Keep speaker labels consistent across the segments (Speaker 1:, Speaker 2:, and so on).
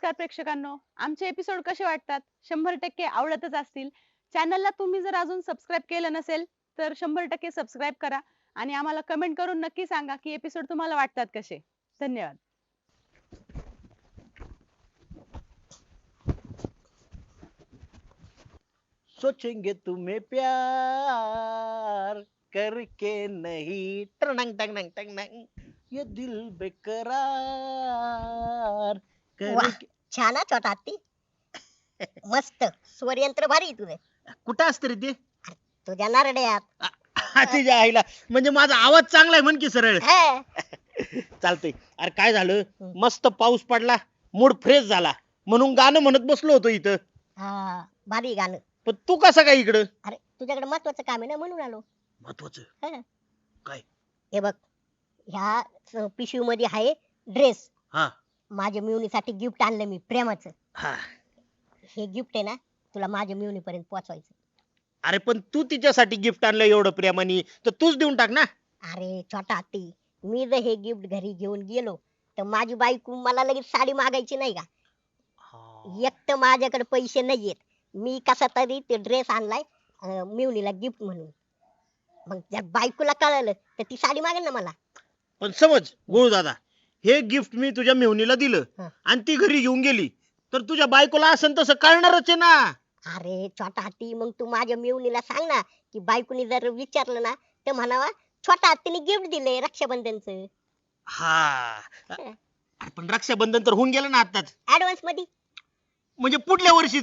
Speaker 1: नमस्कार प्रेक्षकांनो, आमचे एपिसोड कसे वाटतात? 100% आवडतच असतील. चॅनलला तुम्ही जर अजून सबस्क्राईब केलं नसेल, तर 100% सबस्क्राईब करा आणि आम्हाला कमेंट करून नक्की सांगा की एपिसोड तुम्हाला वाटतात कसे. धन्यवाद.
Speaker 2: सोचेंगे तुम्हें प्यार करके नहीं टंग टंग टंग टंग टंग ये दिल बेकरार
Speaker 3: वाह
Speaker 2: करके
Speaker 3: छान हा छोटा हत्ती. मस्त स्वरयंत्र भारी आहे तुझं.
Speaker 2: कुठं असतं रे ते
Speaker 3: तुझ्या नारड्यात
Speaker 2: तुझ्या आईला म्हणजे माझा आवाज चांगला आहे म्हण की सरळ
Speaker 3: हा.
Speaker 2: चालतंय. अरे काय झालं
Speaker 3: हम्म.
Speaker 2: मस्त पाऊस पडला मूड फ्रेश झाला म्हणून गाणं म्हणत बसलो होतो इथं.
Speaker 3: हा भारी गाणं.
Speaker 2: पण तू कसा काय इकडं
Speaker 3: अरे तुझ्याकडे महत्वाचं काम आहे ना म्हणून आलो.
Speaker 2: महत्वाचं
Speaker 3: हा.
Speaker 2: काय
Speaker 3: हे बघ ह्या पिशवी मध्ये आहे ड्रेस.
Speaker 2: हा
Speaker 3: माझ्या मिवणीसाठी गिफ्ट आणलं मी प्रेमाचं.
Speaker 2: हा
Speaker 3: हे गिफ्ट आहे ना तुला माझ्या मिवणीपर्यंत पोहोचवायचं.
Speaker 2: अरे पण तू तिच्यासाठी गिफ्ट आणलं एवढं प्रेमाने तर तूच देऊन टाक ना.
Speaker 3: अरे छोटा हत्ती मी जर हे गिफ्ट घरी घेऊन गेलो तर माझी बायको मला लगेच साडी मागायची नाही का. एक तर माझ्याकडे पैसे नाहीयेत. मी कसा तरी ते ड्रेस आणलाय मिवणीला गिफ्ट म्हणून. मग जर बायकोला कळलं तर ती साडी मागेल ना मला.
Speaker 2: पण समज गुळू दादा हे गिफ्ट मी तुझ्या मेहुणीला दिलं
Speaker 3: हं.
Speaker 2: आणि ती घरी घेऊन गेली तर तुझ्या बायकोला असं तसं कळणारच आहे ना.
Speaker 3: अरे छोटा हत्ती मग तू माझ्या मिवणीला सांग ना की बायकोनी जर विचारलं ना तर म्हणावा छोटा हत्तीने गिफ्ट दिले रक्षाबंधनचं
Speaker 2: हा अरे पण रक्षाबंधन तर होऊन गेलं ना आताच
Speaker 3: ऍडव्हान्स मध्ये.
Speaker 2: म्हणजे पुढल्या वर्षीच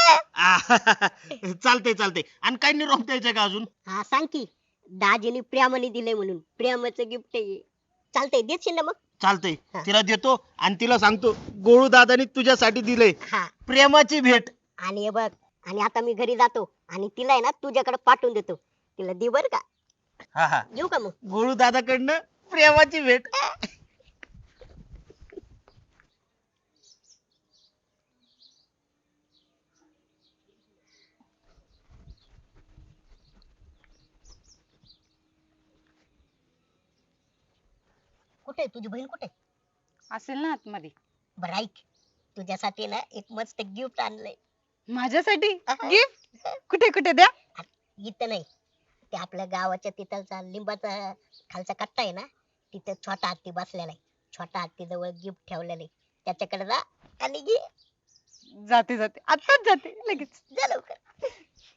Speaker 2: चालतंय चालतंय. आणि काय निरोप द्यायचंय का अजून.
Speaker 3: हा सांग की दाजीने प्रेमाने दिलंय म्हणून प्रेमाचं गिफ्ट आहे. चालतंय देशील ना मग.
Speaker 2: चालतंय
Speaker 3: हा.
Speaker 2: तिला देतो आणि तिला सांगतो गोळू दादानी तुझ्यासाठी दिलंय
Speaker 3: हा
Speaker 2: प्रेमाची भेट.
Speaker 3: आणि हे बघ आणि आता मी घरी जातो आणि तिला आहे ना तुझ्याकडे पाठवून देतो. तिला दे बर का.
Speaker 2: हा हा
Speaker 3: येऊ का मग.
Speaker 2: गोळू दादाकडनं प्रेमाची भेट.
Speaker 3: कुठे तुझी बहीण कुठे.
Speaker 1: असेल ना आतमध्ये.
Speaker 3: बरं ऐक तुझ्यासाठी ना एक मस्त गिफ्ट आणलंय.
Speaker 1: माझ्यासाठी
Speaker 3: अहं.
Speaker 1: गिफ्ट? कुठे कुठे द्या.
Speaker 3: इथं नाही ते आपल्या गावाच्या तिथलचा लिंबाचा खालचा कट्टा आहे ना तिथे छोटा हत्ती बसलेला आहे. छोटा हत्ती जवळ गिफ्ट ठेवलेलं आहे. त्याच्याकडे जा आणि घे.
Speaker 1: जाते जाते आताच जाते लगेच.
Speaker 3: जा लवकर.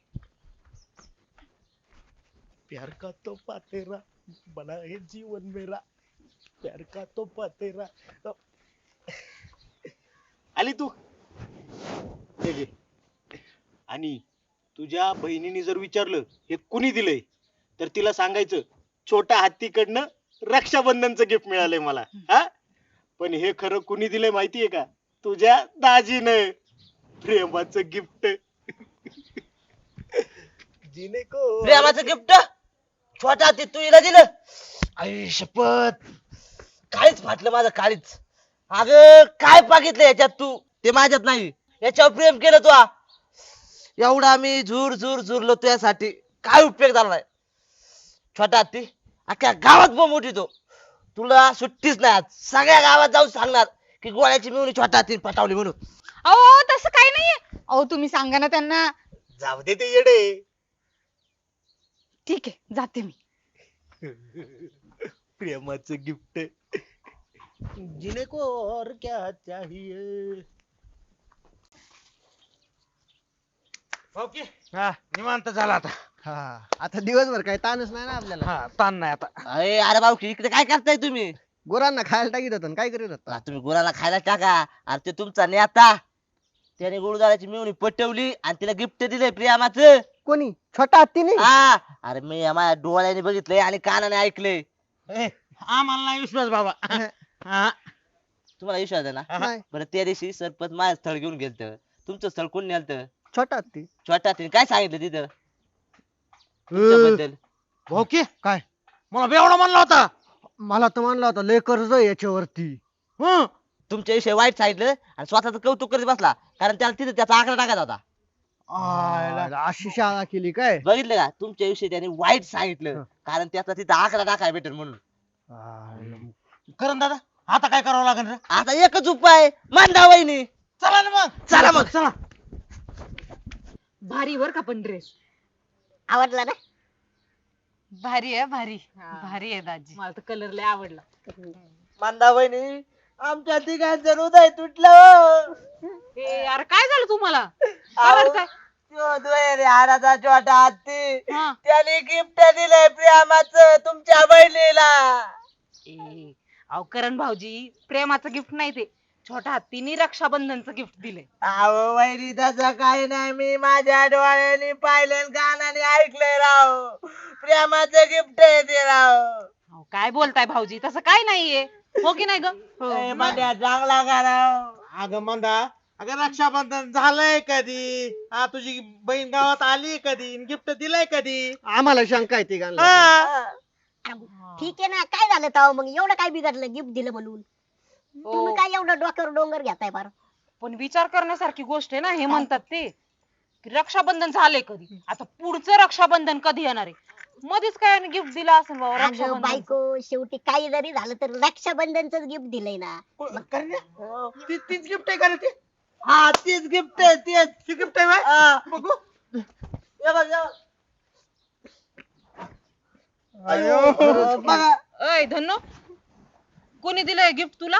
Speaker 2: प्यार का तोहफा तेरा बना है जीवन मेरा प्यार का तोहफा तेरा. आली तू हे घे. आणि तुझ्या बहिणीने जर विचारलं हे कुणी दिलंय तर तिला सांगायचं छोट्या हत्तीकडनं रक्षाबंधनचं गिफ्ट मिळालंय मला. हा पण हे खरं कुणी दिलंय माहितीये का तुझ्या दाजीनं प्रेमाचं गिफ्ट. जिने को
Speaker 4: प्रेमाचं गिफ्ट छोटा ते तू हिला दिलं. आई शपथ काळीच फाटलं माझं काळीच. अग काय बघितलं याच्यात तू ते माझ्यात नाही. याच्यावर प्रेम केलं तू एवढा मी झूर झूर झुरलो तुझ्यासाठी काय उपयोग झाला नाही. छोटा हत्ती अख्ख्या गावात बोंब उठितो. तुला सुट्टीच नाही आज. सगळ्या गावात जाऊन सांगणार की गोळ्याची मिळून छोटा हत्ती पटावली म्हणून.
Speaker 1: अहो तसं काही नाहीये. अहो तुम्ही सांगा ना त्यांना.
Speaker 2: जाऊ दे ते येडे.
Speaker 1: ठीक आहे जाते मी.
Speaker 2: प्रेमाचं गिफ्ट जिने को और क्या चाहिए.
Speaker 4: ओके निवांत झाला आता.
Speaker 5: हा आता दिवसभर काही ताणच नाही ना आपल्याला.
Speaker 4: हा ताण नाही आता. अरे भाऊ इकडे काय करताय तुम्ही.
Speaker 5: गुरांना खायला टाकीत होतो ना, काय करीत होता.
Speaker 4: तुम्ही गुराला खायला टाका. अरे ते तुमचा नेता त्याने गुरुदाराची मिळवणी पटवली आणि तिला गिफ्ट दिलंय प्रियामाचं.
Speaker 5: कोणी छोटा हत्ती नाही.
Speaker 4: हा अरे मी माझ्या डोळ्याने बघितलंय आणि कानाने ऐकलंय.
Speaker 2: आम्हाला नाही विश्वास बाबा. हा.
Speaker 4: तुम्हाला विश्वास आहे ना.
Speaker 5: नाही.
Speaker 4: बरं त्या दिवशी सरपंच माझं स्थळ घेऊन गेलत. तुमचं स्थळ कोण नेलत.
Speaker 5: छोटा हत्ती.
Speaker 4: छोटा तिने काय सांगितलं तिथं तुमच्याबद्दल.
Speaker 2: ओके काय मला बेवडा म्हणला होता.
Speaker 5: मला तर म्हणला होता लय कर्ज आहे याच्यावरती.
Speaker 2: हं.
Speaker 4: तुमच्या विषयी वाईट सांगितलं आणि स्वतःच कौतुक करीत बसला कारण त्याला तिथे त्याचा आकडा टाकायचा होता.
Speaker 5: अशी शाळा केली काय.
Speaker 4: बघितलं का तुमच्या विषयी त्याने वाईट सांगितलं कारण त्याचा तिथं आकडा टाकाय भेटेल म्हणून.
Speaker 2: करण दादा आता काय करावं लागेल रे.
Speaker 4: आता एकच उपाय मांडा वहिनी. चला ना मग चला मग चला
Speaker 6: भारी वर का पण ड्रेस
Speaker 3: आवडला ना?
Speaker 1: भारी आहे भारी भारी आहे दाजी.
Speaker 6: मला तर कलर लय आवडला.
Speaker 4: मंदा वहिनी आमच्या तिघांचं हृदय तुटलं.
Speaker 6: ए यार काय झालं तुम्हाला?
Speaker 4: अहो,
Speaker 6: काय?
Speaker 4: तो दुहेरी हाडाचा छोटा हत्ती
Speaker 6: हा.
Speaker 4: त्याने गिफ्ट दिलंय प्रेमाचं तुमच्या बहिणीला.
Speaker 6: ए अहो करण भाऊजी प्रेमाचं गिफ्ट नाही ते छोटा हत्तीने रक्षाबंधनचं गिफ्ट दिलंय.
Speaker 4: अहो वहिनी तसं काही नाही मी माझ्या डोळ्यांनी पाहिलं कानाने ऐकलंय राव. प्रेमाचं गिफ्ट आहे ते राव.
Speaker 6: अहो काय बोलताय भाऊजी तसं काय नाहीये हो की नाही ग?
Speaker 4: ए, मंड्या चांगला का राव.
Speaker 2: अगं मंदा अगं रक्षाबंधन झालंय कधी? हा तुझी बहीण गावात आली कधी? गिफ्ट दिलंय कधी?
Speaker 5: आम्हाला शंका आहे तिघांना.
Speaker 2: हा.
Speaker 3: ठीक आहे ना, काय झालं तेव्हा मग एवढं काय बिघडलं गिफ्ट दिलं म्हणून? तुम्ही काय एवढं डोक्यावर डोंगर घेताय फार?
Speaker 6: पण विचार करण्यासारखी गोष्ट आहे ना हे म्हणतात ते की रक्षाबंधन झालंय कधी आता पुढचं रक्षाबंधन कधी येणार आहे मध्येच काय गिफ्ट दिला असेल बाबा
Speaker 3: अगं
Speaker 6: रक्षाबंधन.
Speaker 3: बायको, शेवटी काही जरी झालं तर रक्षाबंधनच गिफ्ट दिलंय ना.
Speaker 2: तीच गिफ्ट आहे का रे ते?
Speaker 4: हा तीच गिफ्ट आहे तीच.
Speaker 2: ती गिफ्ट आहे व्हय?
Speaker 4: हा.
Speaker 2: बघू.
Speaker 4: हे बघ, हे बघ.
Speaker 5: अयो.
Speaker 4: बघा
Speaker 6: अय धन्नो कोणी दिलंय गिफ्ट तुला?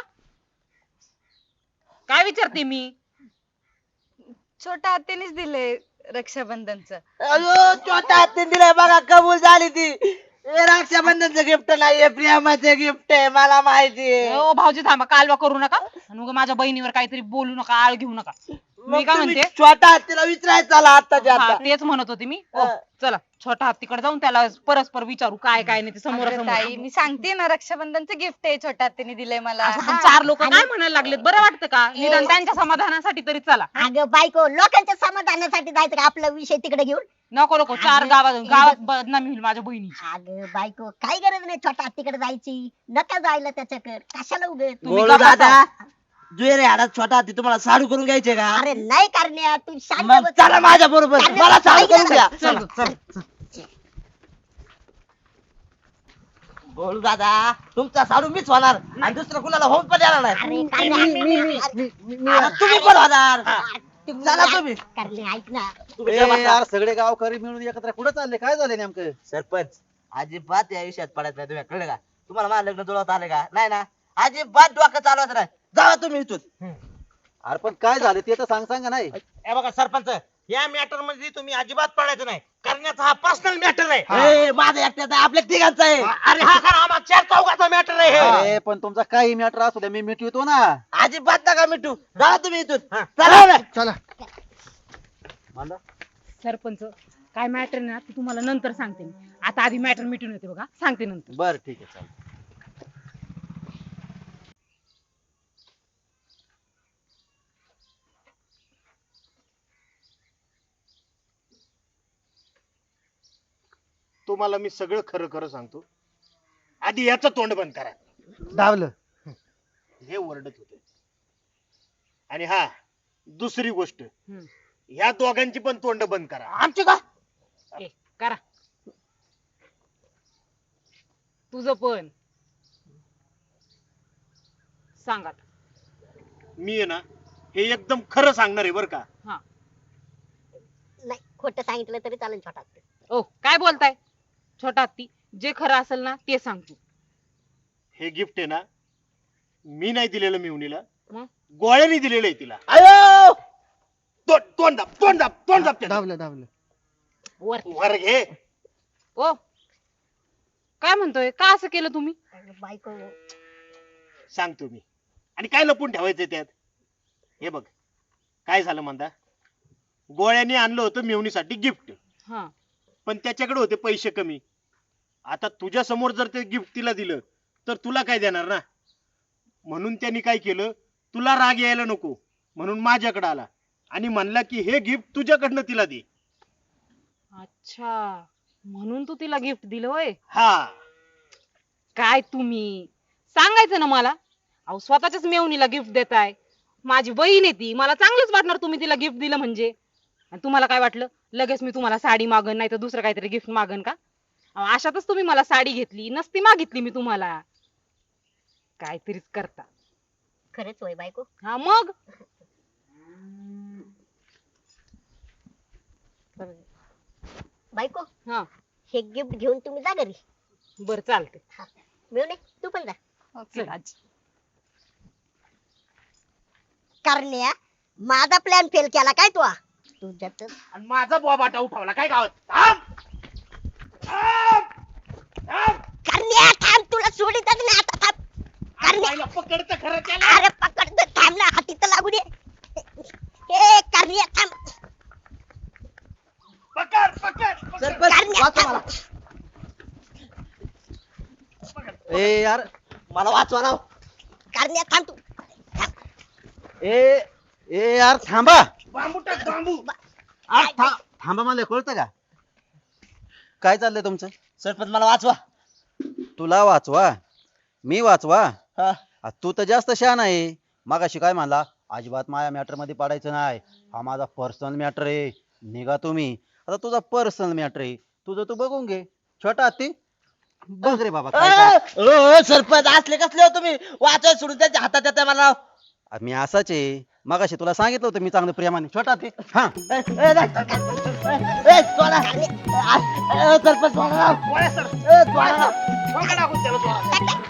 Speaker 6: काय विचारते मी?
Speaker 1: छोट्या आत्यानेच दिले रक्षाबंधनचं.
Speaker 4: अयो छोटा हत्ती दिलाय बघा कबूल झाली ती. हे रक्षाबंधनचं गिफ्ट नाहीये प्रेमाचं गिफ्ट आहे मला माहिती आहे.
Speaker 6: ओ भाऊजी थांबा कालवा करू नका आणि मग माझ्या बहिणीवर काहीतरी बोलू नका आळ घेऊ नका. मी काय
Speaker 4: तुम्ही
Speaker 6: म्हणते
Speaker 4: छोटा हत्तीला विचारायचं चला आत्ताच्या
Speaker 6: हा,
Speaker 4: आता.
Speaker 6: तेच म्हणत होते मी ओ,
Speaker 4: हा.
Speaker 6: चला छोटा हत्तीकडे जाऊन त्याला परस्पर विचारू काय काय नाही ते समोर
Speaker 1: अगं ताई मी सांगते ना रक्षाबंधनचं गिफ्ट आहे छोट्या आत्याने दिलंय मला.
Speaker 6: असं पण चार लोक काय म्हणायला लागलेत बरं वाटतं का निदान त्यांच्या समाधानासाठी तरी चला.
Speaker 3: अगं बायको, लोकांच्या समाधानासाठी जायचं का आपला विषय तिकडे घेऊन?
Speaker 6: नको नको चार
Speaker 3: अगं,
Speaker 6: गावात बदनामी होईल माझ्या बहिणीची.
Speaker 3: अगं बायको, काही गरज नाही छोटा हत्तीकडे जायची. नका जायला त्याच्याकडे, कशाला उगत?
Speaker 6: तुम्ही
Speaker 4: बोलू
Speaker 6: गप्पा
Speaker 4: दादा जुएरे हाडात छोटा हत्ती तुम्हाला साडू करून घ्यायचे का?
Speaker 3: अरे नाही करण्या, तू शांत
Speaker 4: मग
Speaker 3: बस.
Speaker 4: चला माझ्या बरोबर
Speaker 3: अरे,
Speaker 4: मला साडू
Speaker 3: ऐक ना.
Speaker 4: करून द्या.
Speaker 6: चल,
Speaker 4: चल. बोलू दादा तुमचा साडू मीच होणार आणि दुसरं कुणाला होऊन पण येणार नाही.
Speaker 3: अरे काय नाही.
Speaker 4: आता तुम्ही पण होणार. चला तुम्ही.
Speaker 3: करण्या ऐक ना.
Speaker 4: तुम्ही
Speaker 7: ए
Speaker 4: काय बसा.
Speaker 7: यार सगळे गावकरी मिळून एकत्र कुठं चालले काय झाले नेमकं?
Speaker 4: सरपंच अजिबात या विषयात पडत नाही तुम्ही कळलं का? तुम्हाला माझं लग्न जुळवत आले का? नाही ना अजिबात डोकं चालवत नाही. जावा तुम्ही इथून.
Speaker 7: अरे पण काय झालं ते तर सांगा नाही.
Speaker 2: हे बघा सरपंच या मॅटर मध्ये तुम्ही अजिबात पडायचं नाही. करण्याचा हा पर्सनल मॅटर आहे.
Speaker 4: ए, माझा एकट्याचा आहे, आपल्या तिघांचा आहे.
Speaker 2: अरे हा खरा आम्हा चार चौघाचा मॅटर आहे हे.
Speaker 7: अरे पण तुमचा काही मॅटर असू द्या मी मिटवितो ना.
Speaker 4: अजिबात नका मिठू. जावा तुम्ही इथून. चला ना.
Speaker 5: चला.
Speaker 7: मांदा.
Speaker 6: सरपंच काय मॅटर ना ते तुम्हाला नंतर सांगते मी. आता आधी मॅटर मिटून येते बघा सांगते नंतर.
Speaker 7: बर ठीक आहे चालेल.
Speaker 2: तुम्हाला मी सगळं खरं खरं सांगतो. आधी याचं तोंड बंद करा.
Speaker 5: धावलं.
Speaker 2: हे ओरडत होते. आणि हा दुसरी गोष्ट
Speaker 6: हम्म.
Speaker 2: ह्या दोघांची पण तोंड बंद करा.
Speaker 4: आमची का?
Speaker 6: ए करा तुझं पण सांगा.
Speaker 2: मी आहे ना हे एकदम खरं सांगणार आहे बरं का.
Speaker 6: हा
Speaker 3: नाही, खोटं सांगितलं तरी चालेल छोटा हत्ती.
Speaker 6: ओ काय बोलताय छोटा हत्ती जे खरं असेल ना ते सांग तू.
Speaker 2: हे गिफ्ट आहे ना मी नाही दिलेलं मिवणीला,
Speaker 6: मग?
Speaker 2: गोळ्याने दिलेलं आहे तिला.
Speaker 4: अयो
Speaker 2: तोंड दाब तोंड दाब तोंड दाब त्याचं.
Speaker 5: धावलं.
Speaker 6: वर
Speaker 2: वर घे.
Speaker 6: ओ काय म्हणतोय का असं केलं तुम्ही?
Speaker 3: अगं बायको,
Speaker 2: सांगतो मी. आणि काय लपून ठेवायचंय त्यात? हे बघ काय झालं म्हणता. गोळ्याने आणलं होतं मिवणीसाठी गिफ्ट,
Speaker 6: हा
Speaker 2: पण त्याच्याकडे होते पैसे कमी. आता तुझ्या समोर जर ते गिफ्ट तिला दिलं तर तुला काय देणार ना. म्हणून त्यांनी काय केलं, तुला राग यायला नको म्हणून माझ्याकडे आला आणि म्हणला की हे गिफ्ट तुझ्याकडनं तिला दे.
Speaker 6: अच्छा म्हणून तू तिला गिफ्ट दिलं होय.
Speaker 2: हा
Speaker 6: काय तुम्ही सांगायचं ना मला. अहो स्वतःच्याच मेवणीला गिफ्ट देताय. माझी बहीण आहे ती, मला चांगलंच वाटणार तुम्ही तिला गिफ्ट दिलं म्हणजे. आणि तुम्हाला काय वाटलं लगेच मी तुम्हाला साडी मागन नाही तर दुसरं काहीतरी गिफ्ट मागन का? अहो, अशातच तुम्ही मला साडी घेतली नसती मागितली मी तुम्हाला. काहीतरीच करता.
Speaker 3: खरंच होय बायको.
Speaker 6: हा मग
Speaker 3: बायको
Speaker 6: हा
Speaker 3: हे गिफ्ट घेऊन तुम्ही जा घरी.
Speaker 6: बर चालते.
Speaker 3: मिळून तू पण जा.
Speaker 1: ओके राज.
Speaker 3: करण्या माझा प्लॅन फेल केला काय तू तुझ्यात
Speaker 2: आणि माझा बोबाटा उठवला काय गावात. थांब! थांब! थांब!
Speaker 3: करण्या थांब तुला सोडितच नाही आता थांब. करण्या
Speaker 2: बाईला पकडतं खरं त्याला.
Speaker 3: अरे पकड थांब ना हाती तर लागू दे. ए करण्या थांब.
Speaker 2: पकड पकड
Speaker 4: सरपंच
Speaker 3: करण्या
Speaker 4: वाचवा मला.
Speaker 7: ए यार
Speaker 4: मला वाचवा राव.
Speaker 3: करण्या थांब तू.
Speaker 7: ए ए यार थांबा.
Speaker 2: बांबू टाक बांबू.
Speaker 7: थांबा मला कळतं का काय चाललंय तुमचं.
Speaker 4: सरपंच मला वाचवा.
Speaker 7: तुला वाचवा मी वाचवा.
Speaker 4: हा.
Speaker 7: तू तर जास्त शहाणा आहे. मागाशी काय म्हणला अजिबात माझ्या मॅटर मध्ये पडायचं नाही. हा माझा पर्सनल मॅटर आहे. निघा तुम्ही. आता तुझा पर्सनल मॅटर आहे तुझं तू बघून घे. छोटा हत्ती बघ रे बाबा काय काय.
Speaker 4: सरपंच असले कसले हो तुम्ही वाचवा सोडून त्यांच्या हातात येते मला.
Speaker 7: मी असाच आहे. मगाशी तुला सांगितलं होतं मी चांगलं प्रेमाने. छोटा हत्ती हा
Speaker 4: सरपंच सोडा राव.
Speaker 2: गोळ्या सर.
Speaker 4: सोडा राव.
Speaker 2: पकड आपण त्याला.